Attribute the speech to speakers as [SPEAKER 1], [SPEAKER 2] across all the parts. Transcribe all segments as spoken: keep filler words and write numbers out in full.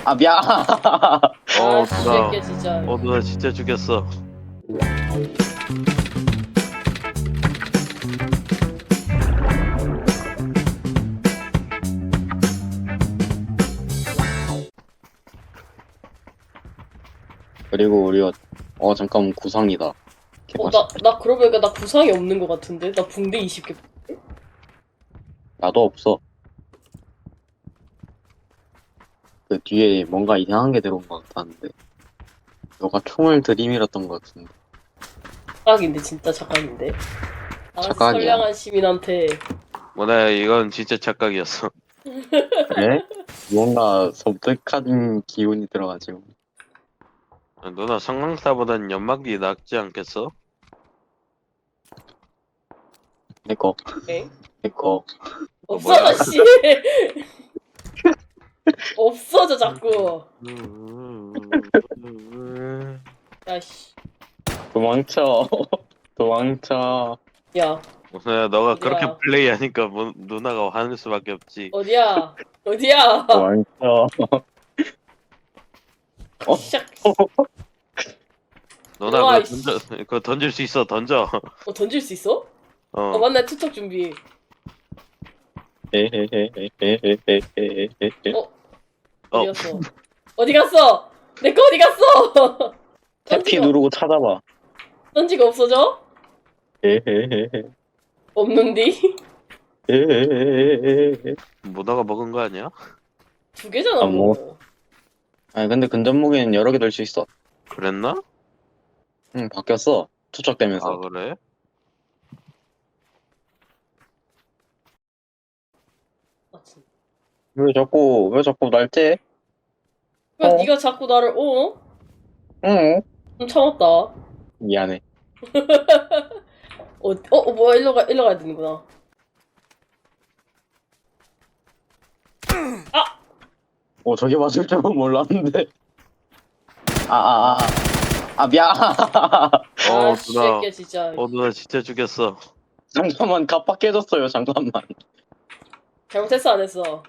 [SPEAKER 1] 아 미안.
[SPEAKER 2] 어,
[SPEAKER 3] 아, 씨,
[SPEAKER 2] 누나.
[SPEAKER 3] 새끼 진짜.
[SPEAKER 2] 어, 누나 진짜 죽였어.
[SPEAKER 1] 그리고 우리가 어 잠깐 구상이다.
[SPEAKER 3] 어,
[SPEAKER 1] 개맛.
[SPEAKER 3] 나, 나 그러고 보니까 나 구상이 없는 것 같은데? 나 붕대 이십 개.
[SPEAKER 1] 나도 없어. 그 뒤에 뭔가 이상한 게 들어온 것 같았는데. 너가 총을 들이밀었던 것 같은데.
[SPEAKER 3] 착각인데, 진짜 착각인데. 나같이
[SPEAKER 1] 착각이야.
[SPEAKER 3] 선량한 시민한테.
[SPEAKER 2] 뭐나 이건 진짜 착각이었어.
[SPEAKER 1] 그래? 뭔가 섬뜩한 기운이 들어가지고.
[SPEAKER 2] 누나 성광타보단 연막이 낫지 않겠어?
[SPEAKER 1] 내꺼,
[SPEAKER 3] 엥?
[SPEAKER 1] 내꺼.
[SPEAKER 3] 없어져,
[SPEAKER 2] 뭐야?
[SPEAKER 3] 씨! 없어져, 자꾸. 야, 씨.
[SPEAKER 1] 도망쳐. 도망쳐.
[SPEAKER 3] 야,
[SPEAKER 2] 누나야 너가
[SPEAKER 3] 어디야?
[SPEAKER 2] 그렇게 플레이하니까 뭐, 누나가 화낼 수밖에 없지.
[SPEAKER 3] 어디야? 어디야?
[SPEAKER 1] 도망쳐. 어?
[SPEAKER 3] 시작.
[SPEAKER 2] 누나
[SPEAKER 3] 일로와,
[SPEAKER 2] 그거 던져, 그거 던질 수 있어. 던져.
[SPEAKER 3] 어, 던질 수 있어?
[SPEAKER 2] 어.
[SPEAKER 3] 어, 맞네, 투척 준비.
[SPEAKER 1] 헤헤헤헤헤헤헤헤헤.
[SPEAKER 3] 어?
[SPEAKER 2] 어.
[SPEAKER 3] 어디 갔어? 어디 갔어? 내 거 어디 갔어?
[SPEAKER 1] 태피
[SPEAKER 3] 던지고,
[SPEAKER 1] 누르고 찾아봐.
[SPEAKER 3] 던지고 없어져?
[SPEAKER 1] 헤헤헤헤.
[SPEAKER 3] 없는디?
[SPEAKER 1] 헤헤헤헤헤.
[SPEAKER 2] 누나가 먹은 거 아니야?
[SPEAKER 3] 두 개잖아,
[SPEAKER 1] 아, 뭐.
[SPEAKER 3] 뭐.
[SPEAKER 1] 아니 근데 근접 무기는 여러 개 들 수 있어.
[SPEAKER 2] 그랬나?
[SPEAKER 1] 응 바뀌었어.
[SPEAKER 2] 아
[SPEAKER 1] 투척되면서.
[SPEAKER 2] 그래?
[SPEAKER 3] 아, 진짜.
[SPEAKER 1] 왜 자꾸 왜 자꾸 날 째?
[SPEAKER 3] 왜
[SPEAKER 1] 어?
[SPEAKER 3] 네가 자꾸 나를, 어?
[SPEAKER 1] 응.
[SPEAKER 3] 좀 참았다.
[SPEAKER 1] 미안해.
[SPEAKER 3] 어, 어, 어, 뭐야, 일로 가, 일로 가야 되는구나.
[SPEAKER 1] 어 저게 맞을 줄은 몰랐는데. 아아아 아, 아, 아, 미안.
[SPEAKER 2] 어
[SPEAKER 3] 아, 씨,
[SPEAKER 2] 누나.
[SPEAKER 3] 새끼 진짜.
[SPEAKER 2] 어 누나 진짜 죽였어.
[SPEAKER 1] 잠깐만 갑박해졌어요. 잠깐만.
[SPEAKER 3] 잘못했어, 안 했어?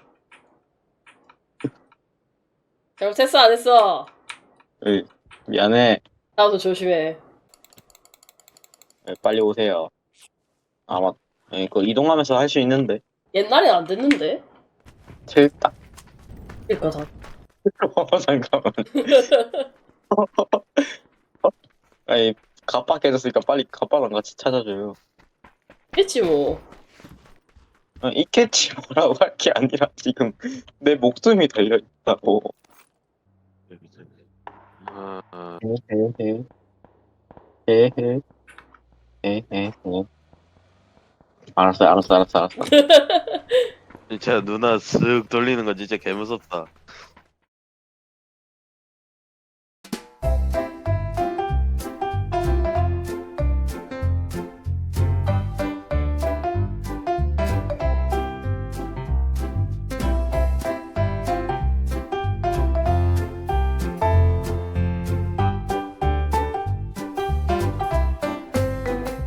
[SPEAKER 3] 잘못했어, 안 했어?
[SPEAKER 1] 으, 미안해.
[SPEAKER 3] 나도 조심해.
[SPEAKER 1] 네, 빨리 오세요. 아 맞. 네, 그 이동하면서 할 수 있는데.
[SPEAKER 3] 옛날엔 안 됐는데?
[SPEAKER 1] 칠딱.
[SPEAKER 3] 그니까 다.
[SPEAKER 1] 어, 잠깐만. 아니 갑박해졌으니까 빨리 갑박랑 같이 찾아줘요.
[SPEAKER 3] 했지, 뭐.
[SPEAKER 1] 어, 있겠지 뭐라고 할 게 아니라 지금 내 목숨이 달려 있다고.
[SPEAKER 2] 아, 아.
[SPEAKER 1] 헤헤헤. 헤헤. 헤헤헤. 알았어, 알았어, 알았어, 알았어.
[SPEAKER 2] 진짜 누나 쓱 돌리는 거 진짜 개무섭다.